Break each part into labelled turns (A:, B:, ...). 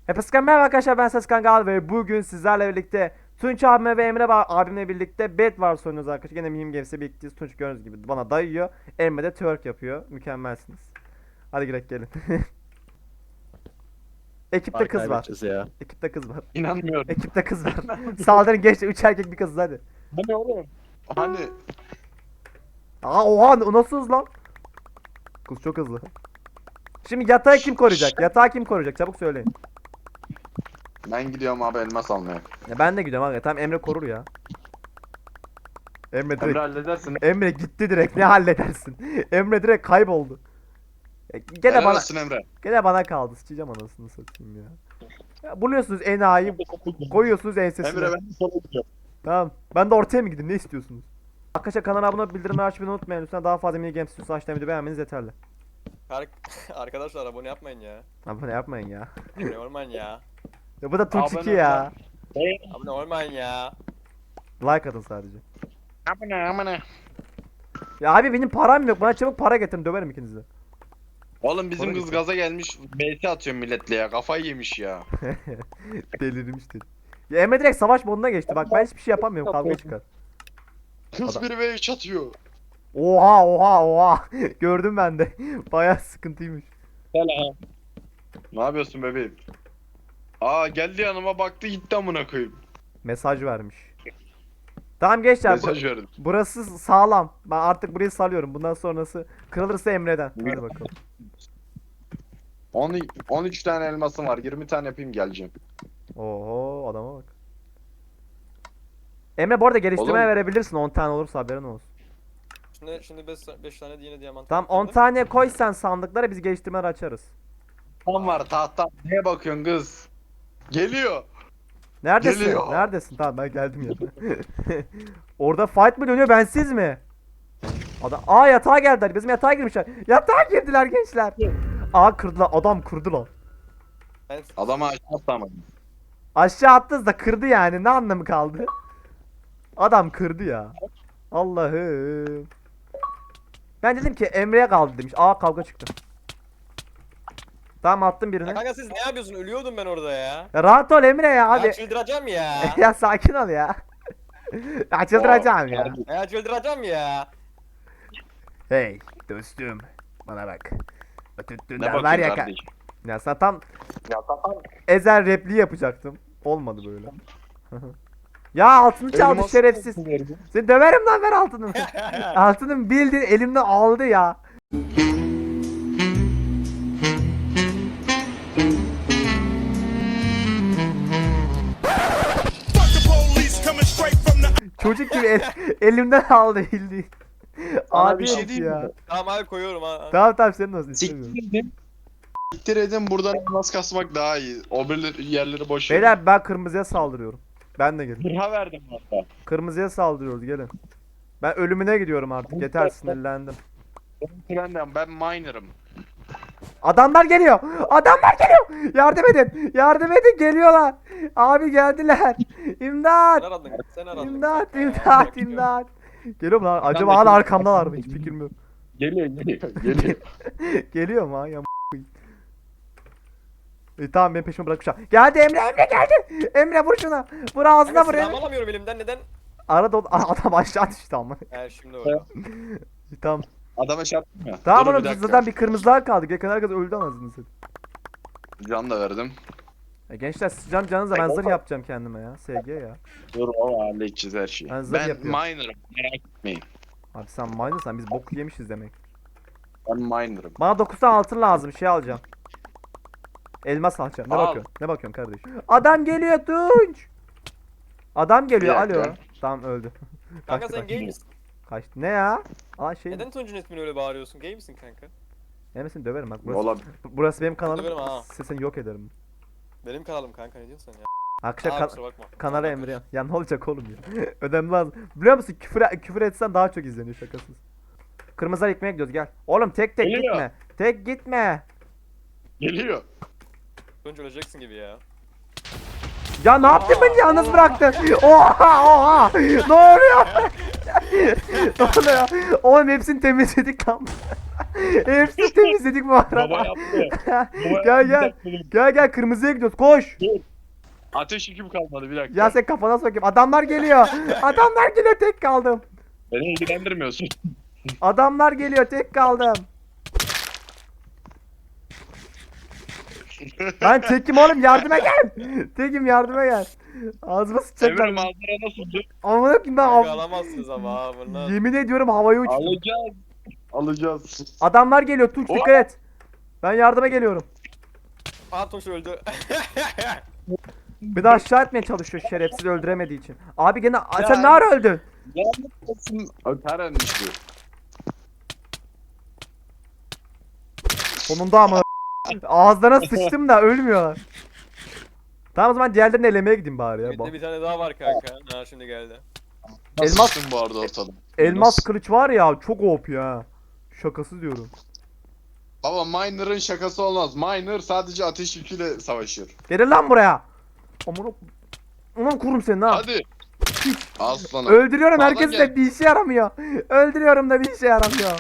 A: Hepinize merhaba arkadaşlar, ben Seskan Gal ve bugün sizlerle birlikte Tunç abime ve Emre abimle birlikte Bed Wars oynuyoruz arkadaşlar. Gene Mihim Games'e birlikteyiz. Tunç gördüğünüz gibi bana dayıyor. Emre de twerk yapıyor. Mükemmelsiniz. Hadi girek gelin. Ekipte kız var.
B: Kaybedeceğiz ya.
A: Ekipte kız var.
B: İnanmıyorum.
A: Ekipte kız var. Saldırın geçti. 3 erkek bir kız hadi.
B: Hani oğlum? Hani?
A: Aa oha, o nasıl hız lan? Kız çok hızlı. Şimdi yatağı kim koruyacak? Yatağı kim koruyacak? Çabuk söyleyin.
B: Ben gidiyorum abi elmas almaya.
A: Ya ben de gidiyorum abi. Tamam, Emre korur ya. Emre direkt.
B: Emre halledersin.
A: Emre gitti direkt, ne halledersin? Emre direkt kayboldu. Gene
B: Helal
A: bana
B: olsun Emre.
A: kaldı. Sıçacağım anasını satayım ya. Ya buluyorsunuz enayi, koyuyorsunuz ensesine.
B: Emre ben de sana gidiyorum.
A: Tamam. Ben de ortaya mı gideyim? Ne istiyorsunuz? Arkadaşlar kanala abone olup bildirimleri açmayı unutmayın. Lütfen daha fazla mini games istiyorsanız aşağıdan video beğenmeniz yeterli.
C: Arkadaşlar abone yapmayın ya.
A: Abone yapmayın ya.
C: Abone olmayın ya.
A: Ya bu da Tunç 2
B: Abone
A: ya.
C: Abone olmayın ya.
A: Like atın sadece.
B: Amına.
A: Ya abi benim param yok. Bana çabuk para getirin, döverim ikinizi de.
B: Oğlum bizim
A: Para
B: kız
A: getir.
B: gaza gelmiş. BS atıyor milletle ya. Kafayı yemiş ya.
A: Delirmiş dedi. Ya Emre direkt savaş moduna geçti. Bak ben hiçbir şey yapamıyorum. Kavga çıkar.
B: Kız
A: Adam-
B: bir ve 3 atıyor.
A: Oha oha oha. Gördüm ben de. Bayağı sıkıntıymış.
B: Ne yapıyorsun bebeğim? Aa geldi yanıma baktı gitti amına koyayım.
A: Mesaj vermiş. Tamam gençler,
B: Mesaj verdim.
A: burası sağlam. Ben artık burayı salıyorum. Bundan sonrası kırılırsa Emre'den. Hadi bakalım.
B: 13 tane elmasım var. 20 tane yapayım geleceğim.
A: Oho, adama bak. Emre bu arada geliştirmeye
B: Oğlum.
A: verebilirsin, 10 tane olursa haberin olsun.
C: Şimdi 5 tane yine diamant.
A: Tamam, 10 tane koy sen sandıklara, biz geliştirmeleri açarız.
B: Tam var tahtam. Neye bakıyorsun kız? Geliyor.
A: Neredesin?
B: Geliyor.
A: Neredesin? Tamam, ben geldim ya. Orada fight mı dönüyor, bensiz mi? Aa, yatağa geldiler. Bizim yatağa girmişler. Yatağa girdiler gençler. Aa, kırdılar. Adam kırdı lan.
B: Adama aşağı atlamadım.
A: Aşağı attınız da kırdı yani. Ne anlamı kaldı? Adam kırdı ya. Allah'ım. Ben dedim ki Emre'ye kaldı demiş. Aa, kavga çıktı. Tamam, attım birini.
C: Kanka siz ne yapıyorsun? Ölüyordum ben orada ya.
A: Ya rahat ol Emre ya abi.
C: Ya çıldıracağım ya.
A: Ya sakin ol ya. Ya çıldıracağım ya.
C: Ya çıldıracağım ya.
A: Hey dostum, bana bak.
B: Ne
A: Tuttuğundan var
B: bakıyorsun
A: ya
B: kardeşim?
A: Ya sana tam
B: Ya tamam.
A: ezel repliği yapacaktım. Olmadı böyle. Ya altını çaldı
B: Elmas
A: şerefsiz. Seni döverim lan, ver altını. Altını bildiğin elimden aldı ya. Çocuk gibi elimden aldı bildiğin.
B: Sana
A: Abi
B: bir şey
A: herif
B: diyeyim
A: ya.
B: mi?
C: Tamam abi koyuyorum ha.
A: Tamam tamam, senin olsun, istemiyorum.
B: Siktir edin buradan elmas kasmak daha iyi. O yerleri boş verin.
A: Beyler, ben kırmızıya saldırıyorum. Ben de gelin.
B: Zırha verdim hatta.
A: Kırmızıya saldırıyoruz, gelin. Ben ölümüne gidiyorum artık. Yeter, sinirlendim.
B: Ben miner'ım.
A: Adamlar geliyor. Adamlar geliyor. Yardım edin. Yardım edin, geliyorlar. Abi geldiler. İmdat.
C: Sen aradın. Sen aradın.
A: İmdat,
C: kanka.
A: imdat,
C: Bakıyorum.
A: imdat. Geliyor mu lan? Acaba hala arkamdalar mı? Hiç fikrim yok.
B: Geliyor geliyor.
A: Geliyor mu ha? Ya tamam, benim peşime bırakmışlar. Geldi Emre, Emre geldi. Emre vur şuna. Vur ağzına,
C: Kanka
A: vur
C: silahımı
A: Emre.
C: alamıyorum elimden neden?
A: Arada adam aşağı düştü ama.
C: He şimdi oldu.
A: Tamam.
B: Adama şey yaptım ya.
A: Tamam
B: Dur
A: oğlum,
B: bir dakika.
A: zaten bir kırmızılar kaldı. Geçen herkes öldü anasını satayım.
B: Can da verdim.
A: Gençler, canınıza ben zırh yapacağım kendime ya. SG ya.
B: Dur o halledeceğiz her şeyi.
A: Ben zırh
B: Ben
A: yapıyorum.
B: miner'ım merak etmeyin.
A: Abi sen miner'san biz bok yemişiz demek.
B: Ben miner'ım.
A: Bana 9 tane altın lazım, şey alacağım. Elmas alacağım. Ne
B: Al.
A: bakıyorsun? Ne bakıyorsun kardeşim? Adam geliyor Tunç. Adam geliyor.
B: Bir dakika.
A: Alo. Tamam, öldü.
C: Kanka
A: Kaçtı,
C: sen
A: kaçtı.
C: gay misin?
A: Kaçtı. Ne ya? Aa şey.
C: Neden Tunç'un ismini öyle bağırıyorsun? Gay misin kanka?
A: Emesin döverim bak. Burası,
B: Olabilir.
A: burası benim kanalım.
C: Döverim ha.
A: Sesini yok ederim.
C: Benim kanalım kanka, ne diyorsun sen ya?
A: Akşam
C: Aa, kusura bakma.
A: kanala Emre. Ya ne olacak oğlum ya? Önemli lazım. Biliyor musun, küfür etsen daha çok izleniyor, şakasız. Kırmızılar ekmeğe gidiyoruz, gel. Oğlum tek
B: Geliyor.
A: gitme. Tek gitme.
B: Geliyor.
C: Tunç öleceksin gibi ya.
A: Ya ne yaptın, beni yalnız bıraktın? Oha oha. Ne oluyor? Ne oluyor? Oğlum hepsini temizledik lan. Hepsini temizledik bu arada.
B: Baba yaptı.
A: Gel gel. Gel kırmızıya gidiyoruz. Koş.
B: Ateş yüküm kalmadı bir dakika.
A: Ya sen kafana sokayım. Adamlar geliyor. Adamlar geliyor, tek kaldım.
B: Beni ilgilendirmiyorsun.
A: Adamlar geliyor, tek kaldım. Ben tekim oğlum, yardıma gel. Tekim, yardıma gel. Ağzıma
B: Emre
A: sıçacaklar.
B: manzara nasıldı?
A: Amına koyayım ben
C: Kanka alamazsınız ama ha bunlar.
A: yemin ediyorum havaya uçtum.
B: Alacağız. Alacağız.
A: Adamlar geliyor, Tunç dikkat et. Ben yardıma geliyorum.
C: Aha Tunç öldü.
A: Bir daha aşağı etmeye çalışıyor şerefsiz, öldüremediği için. Abi gene sen ne ara öldün?
B: Lanet olsun. Öter düştü.
A: Sonunda ama ağızlarına sıçtım da ölmüyorlar. Tamam, o zaman diğerlerini elemeye gideyim bari ya.
C: Bir tane daha var kanka. Ha şimdi geldi.
A: Elmas-
B: Elmas bu arada ortada.
A: Elmas kılıç var ya, çok OP ya. Şakası diyorum.
B: Baba Miner'ın şakası olmaz. Miner sadece ateş yüküyle savaşır.
A: Gelin lan buraya. Amına kurum seni ha.
B: Hadi. Aslanım.
A: Öldürüyorum
B: Sağdan
A: herkesi
B: gel.
A: de bir işe yaramıyor. Öldürüyorum da bir işe yaramıyor.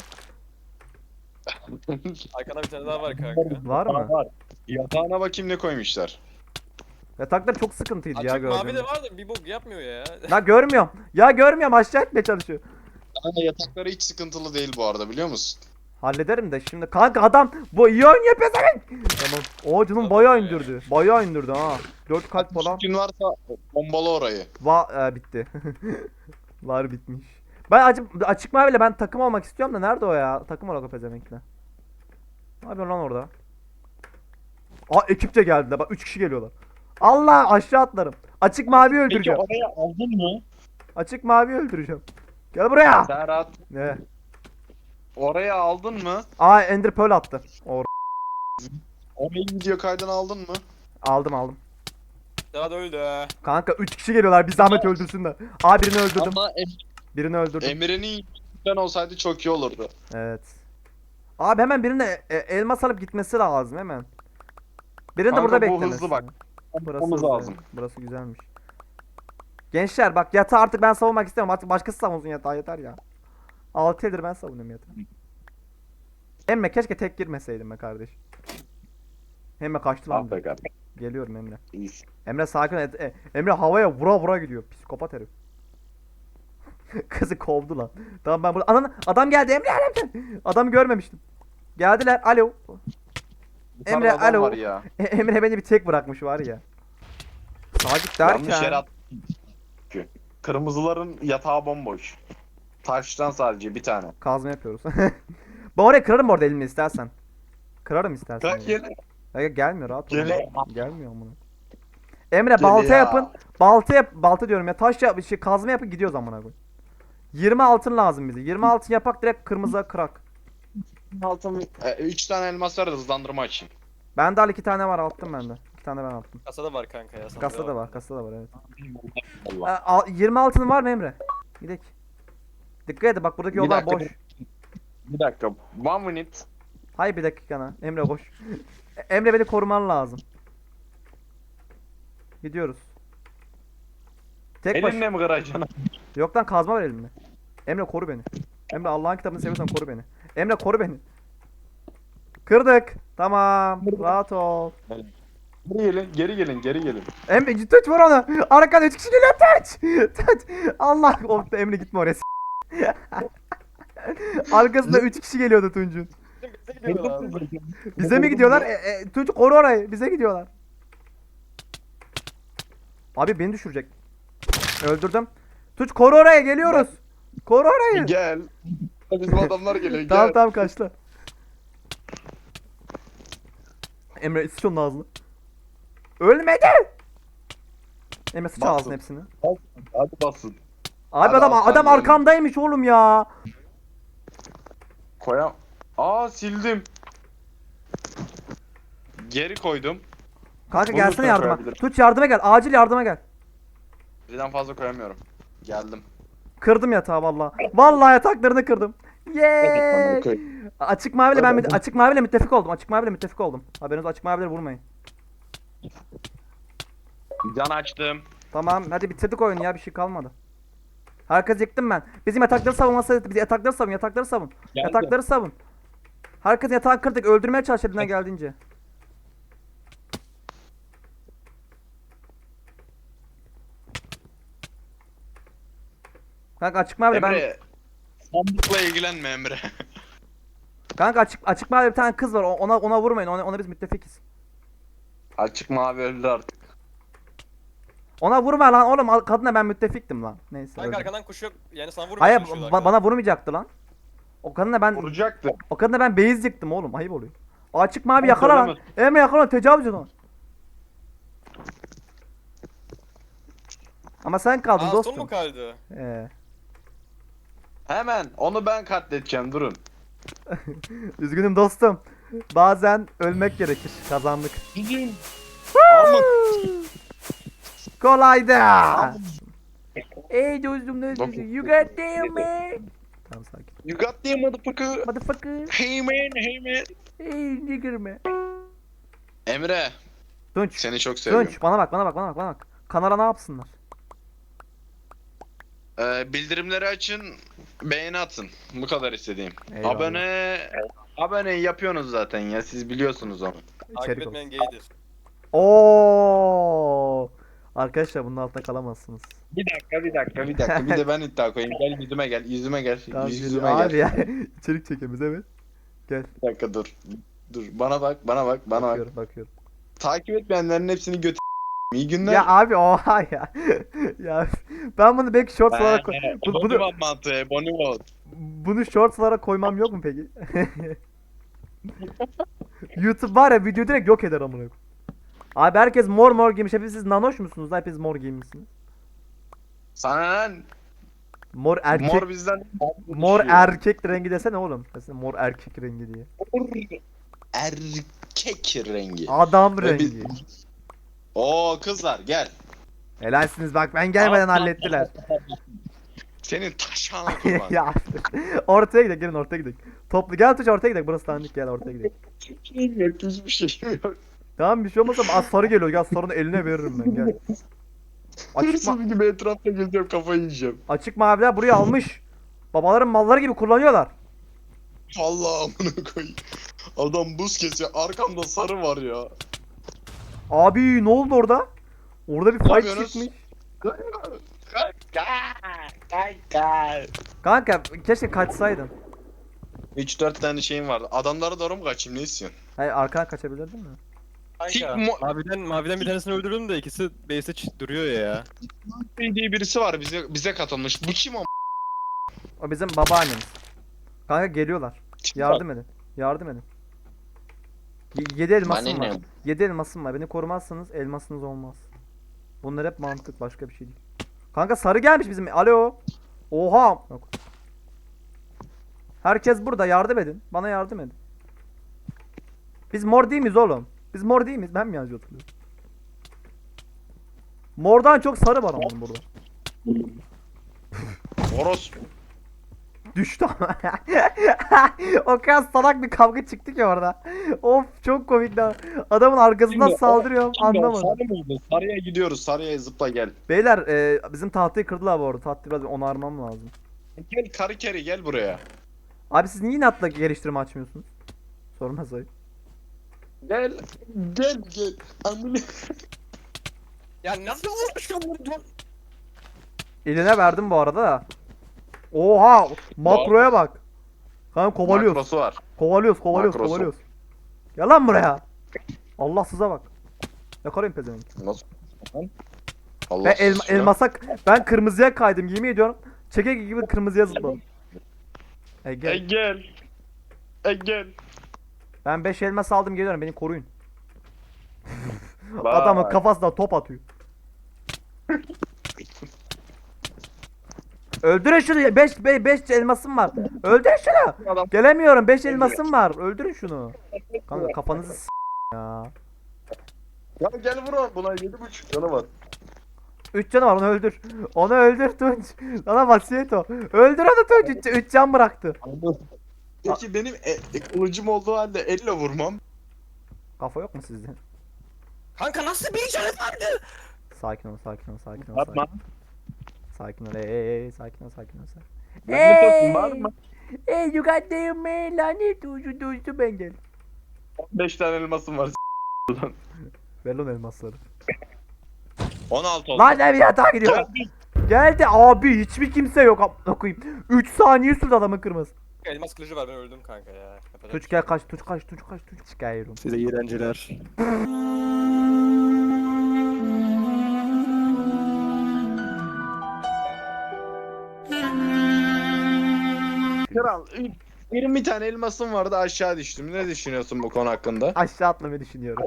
C: Arkada bir tane daha var kanka.
A: Var mı?
B: Yatağına bakayım ne koymuşlar.
A: Yataklar çok sıkıntıydı ya,
C: Açık mavi
A: gördüm.
C: de var da bir bok yapmıyor ya.
A: La görmüyorum. Ya görmüyorum, aşağı etmeye çalışıyor.
B: Ama yatakları hiç sıkıntılı değil bu arada biliyor musun?
A: Hallederim de şimdi. Kanka adam bu iyi oynuyor pezevenk. Tamam. O canım bayağı indirdi. Bayağı indirdi ha. 4 kalp falan.
B: Gün varsa bombalı orayı.
A: Bitti. Var, bitmiş. Ben açık maviyle ben takım olmak istiyorum da nerede o ya? Takım olarak o pezevenkle. Ne yapıyor lan orada? Ekip de geldi. Bak 3 kişi geliyorlar. Allah, aşağı atlarım. Açık mavi
B: Peki
A: öldüreceğim.
B: oraya aldın mı?
A: Açık mavi öldüreceğim. Gel buraya.
B: Serhat
A: Ne?
B: oraya aldın mı?
A: Ender Pearl attı.
B: Orayı video kaydını aldın mı?
A: Aldım.
C: Daha da öldü ha.
A: Kanka 3 kişi geliyorlar. Bir zahmet öldürsünler. Birini öldürdüm.
B: Ama
A: Birini öldürdüm.
B: Emre'nin ben olsaydı çok iyi olurdu.
A: Evet. Abi hemen birine elmas alıp gitmesi lazım hemen. Birini de
B: Kanka,
A: burada
B: bu
A: beklemesi.
B: hızlı bak.
A: Burası
B: Yapmamız
A: hızlı.
B: lazım.
A: Burası güzelmiş. Gençler bak, yatağı artık ben savunmak istemiyorum. Artık başkası savunsun yatağı, yeter ya. 6 yıldır ben savunuyorum yatağı. Emre keşke tek girmeseydim be kardeş. Emre kaçtı lan.
B: Ah be kardeşim.
A: Geliyorum Emre.
B: İyisin.
A: Emre sakin ol. Emre havaya vura gidiyor. Psikopat herif. Kızı kovdu lan. Tamam ben burada. Adam geldi, Emre. Adamı görmemiştim. Geldiler. Alo. Emre,
B: Yukarıda adam
A: alo.
B: var ya.
A: Emre beni bir tek bırakmış var ya. Sadık
B: Yanlış yere
A: derken.
B: at. Kırmızıların yatağı bomboş. Taştan sadece bir tane.
A: Kazma yapıyoruz. Ben oraya kırarım orada elimle istersen. Kırarım istersen.
B: Kalk
A: ya.
B: gel.
A: Ya gelmiyor, rahat ol.
B: Gel.
A: Gelmiyor amına. Emre
B: Gel
A: balta
B: ya.
A: yapın. Balta diyorum ya. Taş yap, kazma yapın, gidiyoruz amına koy. 20 altın lazım bize. 20 altın yapak, direkt kırmızıya kırak.
B: Altın 3 tane elmas var da hızlandırma açayım.
A: Bende al 2 tane var, attım bende. 2 tane ben attım.
C: Kasada var kanka ya. sandığa
A: Kasada
C: bak.
A: var, kasada var evet.
B: Allah.
A: 20 altın var mı Emre? Gidek. Dikkat et bak, buradaki
B: Bir
A: yollar
B: dakika,
A: boş.
B: Bir dakika. 1 minute.
A: Hayır, bir dakika. Emre koş. Emre beni koruman lazım. Gidiyoruz. Tek baş.
B: Elinle mi kıracaksın?
A: Yok lan, kazma ver elimle. Emre koru beni. Emre Allah'ın kitabını seviyorsan koru beni. Emre koru beni. Kırdık. Tamam. Rahat ol.
B: Geri gelin.
A: Emre tut, vur onu. Arkadan 3 kişi geliyor, tut. Tut. Allah. Oh, Emre gitme oraya. Arkasında 3 kişi geliyordu Tunç'un.
C: Bize gidiyorlar.
A: Bize mi gidiyorlar? Tunç koru orayı. Bize gidiyorlar. Abi beni düşürecek. Öldürdüm. Tunç koru oraya, geliyoruz. Koru orayı.
B: Gel. Bizim adamlar geliyor.
A: Tamam
B: Gel.
A: tamam, kaçtı. Emre sıç onun ağzını. Ölmedi. Emre sıç
B: Bassın.
A: ağzını hepsini.
B: Hadi basın.
A: Abi
B: Hadi
A: adam
B: aslan benim.
A: arkamdaymış oğlum ya.
B: Koyam. Sildim. Geri koydum.
A: Kanka
B: Bunu
A: gelsene
B: lütfen
A: yardıma.
B: koyabilirim.
A: Tunç yardıma gel. Acil yardıma gel.
B: Birden fazla koyamıyorum. Geldim.
A: Kırdım yatağı vallahi. Vallahi yataklarını kırdım. Yeee.
B: Koy.
A: Açık maviyle ben
B: Hadi.
A: açık maviyle müttefik oldum. Açık maviyle müttefik oldum. Haberiniz, açık mavileri vurmayın.
B: Can açtım.
A: Tamam hadi bitirdik oyunu ya, bir şey kalmadı. Herkes yıktım ben. Bizim yatakları savunması, biz yatakları savun, yatakları savun.
B: Geldim.
A: Yatakları savun. Herkes yatağını kırdık. Öldürmeye çalış elinden geldiğince. Kanka açık mavi ben...
B: Emre. Sandıkla ilgilenme Emre.
A: Kanka açık mavi bir tane kız var. Ona vurmayın. Ona biz müttefikiz.
B: Açık mavi öldü artık.
A: Ona vurma lan oğlum. Kadına ben müttefiktim lan. Neyse.
C: Kanka
A: öldüm.
C: arkadan kuş yok. Yani sana vurmaya
A: Hayır
C: çalışıyorlar arkadan.
A: bana vurmayacaktı lan.
B: Vuracaktı.
A: O kadına ben beyaz yıktım oğlum. Ayıp oluyor. Açık mavi
B: Ben
A: yakala lan.
B: söylemez.
A: Emre yakala tecavüz et ona. Ama sen kaldın
C: Aa son
A: dostum.
C: mu kaldı?
B: Hemen onu ben katledeceğim durun.
A: Üzgünüm dostum. Bazen ölmek gerekir. Kazandık.
B: Gidin. Ama
A: Kolaydı. Ey dostum ne
B: Dokuz.
A: diyorsun? You got damn man. Tamam sakin.
B: you got the motherfucker.
A: Motherfucker.
B: Hey man, hey man.
A: Hey nigger man.
B: Emre,
A: Tunç.
B: seni çok seviyorum.
A: Tunç bana bak. Kanala ne yapsınlar?
B: Bildirimleri açın, beğeni atın. Bu kadar istediğim.
A: Eyvallah.
B: Abone yapıyorsunuz zaten ya, siz biliyorsunuz onu.
C: Takip
A: İçerik
C: etmeyen
A: olsun.
C: gaydir.
A: Oo. Arkadaşlar bunun altında kalamazsınız.
B: Bir dakika. Bir de ben iddia koyayım. Gel yüzüme gel.
A: Tamam,
B: Yüzüme
A: abi
B: gel.
A: ya. İçerik çekemiz evet. Gel.
B: Bir dakika dur. Dur, bana bak.
A: Bakıyorum.
B: Takip etmeyenlerin hepsini götür. İyi günler.
A: Ya abi oha ya. Ya ben bunu belki shorts olarak
B: Bonibot mantığı, Bonibot.
A: bunu shorts olarak koymam yok mu peki? YouTube var ya video direkt yok eder amına koyayım. Abi herkes mor giymiş. Hepiniz siz nanoş musunuz? Hepiniz mor giymişsiniz.
B: Sana lan.
A: Mor erkek.
B: Mor bizden.
A: Mor erkek rengi desene oğlum. Desene mor erkek rengi diye.
B: Erkek rengi.
A: Adam
B: Ve biz-
A: rengi.
B: Oo kızlar gel.
A: Helalsiniz bak ben gelmeden hallettiler.
B: Senin taşağına kurban.
A: Ya ortaya gidelim gelin ortaya gidelim. Toplu gel Tuğçe ortaya gidelim. Burası tanıdık gel ortaya gidelim.
B: Hiçbir şeyim yok.
A: Tamam bir şey olmasa az sarı geliyor. Gel sarını eline veririm ben gel.
B: Hırsız gibi etrafta geziyorum, kafayı yiyeceğim.
A: Açık maviler buraya almış. Babaların malları gibi kullanıyorlar.
B: Allah amına koyayım. Adam buz kesiyor. Arkamda sarı var ya.
A: Abi ne oldu orada? Orada bir
B: Ne
A: fight
B: yapıyorsunuz?
A: çıkmış.
B: Kanka.
A: Kanka keşke kaçsaydın.
B: 3-4 tane şeyim vardı. Adamlara doğru mu kaçayım, ne istiyorsun?
A: Hayır arkadan kaçabilirdin mi?
C: Kanka. Maviden bir tanesini öldürdüm de ikisi base'te duruyor ya.
B: diye birisi var bize katılmış. Bu kim o?
A: O bizim babaannemiz. Kanka geliyorlar. Yardım edin. Yardım edin. 7 elmasım
B: Bana
A: var.
B: ne?
A: 7 elmasım var. Beni korumazsanız elmasınız olmaz. Bunlar hep mantık başka bir şey değil. Kanka sarı gelmiş bizim. Alo. Oha. Yok. Herkes burada yardım edin. Bana yardım edin. Biz mor değil miyiz oğlum? Biz mor değil miyiz? Ben mi yazıyor hatırlıyorum? Mordan çok sarı var ama burada.
B: Oros.
A: Düştü ama. O kadar salak bir kavga çıktı ki orada. Of çok komik lan. Adamın arkasından
B: Şimdi o-
A: saldırıyorum anlamadım.
B: Sarı mıydı? Sarıya gidiyoruz. Sarıya zıpla gel.
A: Beyler bizim tahtayı kırdılar bu arada. Tahtayı biraz onarmam lazım.
B: Gel karı keri gel buraya.
A: Abi siz niye inatla geliştirme açmıyorsunuz? Sormaz ayıp.
B: Gel. Gel. Amına.
C: Ya nasıl vurmuşum bunu?
A: Eline verdim bu arada da. Oha! Makroya bak. Kanka kovalıyoruz.
B: Makrosu var.
A: Kovalıyoruz.
B: Makrosu.
A: Gel lan buraya. Allah size bak. Yakalayın pezevenk.
B: Nasıl? Allah
A: Ben
B: aşkına.
A: ben kırmızıya kaydım yemin ediyorum. Çekek gibi kırmızıya zıpladım. Gel.
B: Gel. Gel.
A: Ben 5 elmas aldım geliyorum beni koruyun.
B: Bak.
A: Adamın kafasına top atıyor. Öldürün şunu. 5 elmasım var. Öldürün şunu.
B: Adam-
A: Gelemiyorum. 5 elmasım var. Öldürün şunu. Kanka kafanızı ya.
B: Ya gel vur buna 7.5 canı var.
A: 3 canı var onu öldür. Onu öldür Tunç. Sana vasiyet o. Öldür onu Tunç. 3 can bıraktı.
B: Peki benim kılıcım olduğu halde elle vurmam.
A: Kafa yok mu sizde?
C: Kanka nasıl bir canı vardı?
A: Sakin ol.
B: Yapma.
A: Sakin ol. Sakin ol.
B: Lanet olsun, bağırma.
A: Hey you got damn man lanet dostu ben gel.
B: 5 tane elmasım var.
A: Ver lan elmasları.
B: 16 oldu.
A: Lan ne bir yatağa gidiyor. Geldi abi hiçbir kimse yok amına koyayım. 3 saniye sürdü adamın kırması.
C: Elmas kılıcı var ben öldüm kanka ya. Yapacak
A: Tuç
C: bir
A: gel
C: şey
A: kaç tuç kaç tuç kaç tuç çıkıyorum.
C: yok. Size iyi eğlenceler.
B: Kral 20 tane elmasım vardı aşağı düştüm. Ne düşünüyorsun bu konu hakkında?
A: Aşağı atlamayı düşünüyorum.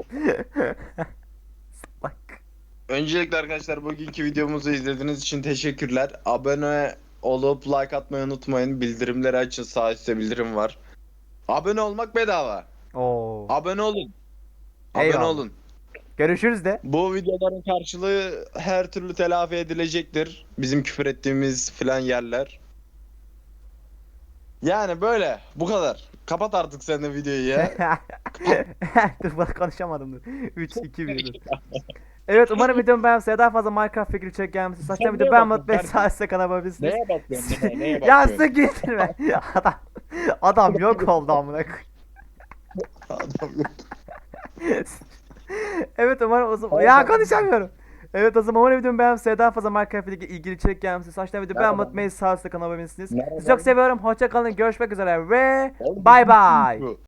A: Bak.
B: Öncelikle arkadaşlar bugünkü videomuzu izlediğiniz için teşekkürler. Abone olup like atmayı unutmayın. Bildirimleri açın, sağ üstte bildirim var. Abone olmak bedava.
A: Oo.
B: Abone olun. Abone
A: Eyvallah.
B: olun.
A: Görüşürüz de.
B: Bu videoların karşılığı her türlü telafi edilecektir. Bizim küfür ettiğimiz filan yerler. Yani böyle. Bu kadar. Kapat artık sen de videoyu ya.
A: Dur bak konuşamadım dur. 3 2 1 dur. Evet umarım videomu beğenmişsiniz. Daha fazla Minecraft fikri çek gelmişsiniz. Saçma
B: Sen
A: video
B: neye
A: beğenmeyi
B: bakıyorsun
A: unutmayın. Sağ üstte kanala bakabilirsiniz.
B: Neye bakıyorsun? Neye
A: Ya
B: bakıyorsun?
A: sık getirme. Adam yok oldu amına koyayım.
B: Adam yok.
A: Evet umarım o zaman... Ya konuşamıyorum. Evet o zaman umarım videomu beğenmişsiniz. Daha fazla Minecraft ile ilgili içerik gelmişsiniz. Saçma video beğenmeyi unutmayın. Sağ üstte kanala bakabilirsiniz. Sizi çok seviyorum. Hoşça kalın. Görüşmek üzere ve bay bay.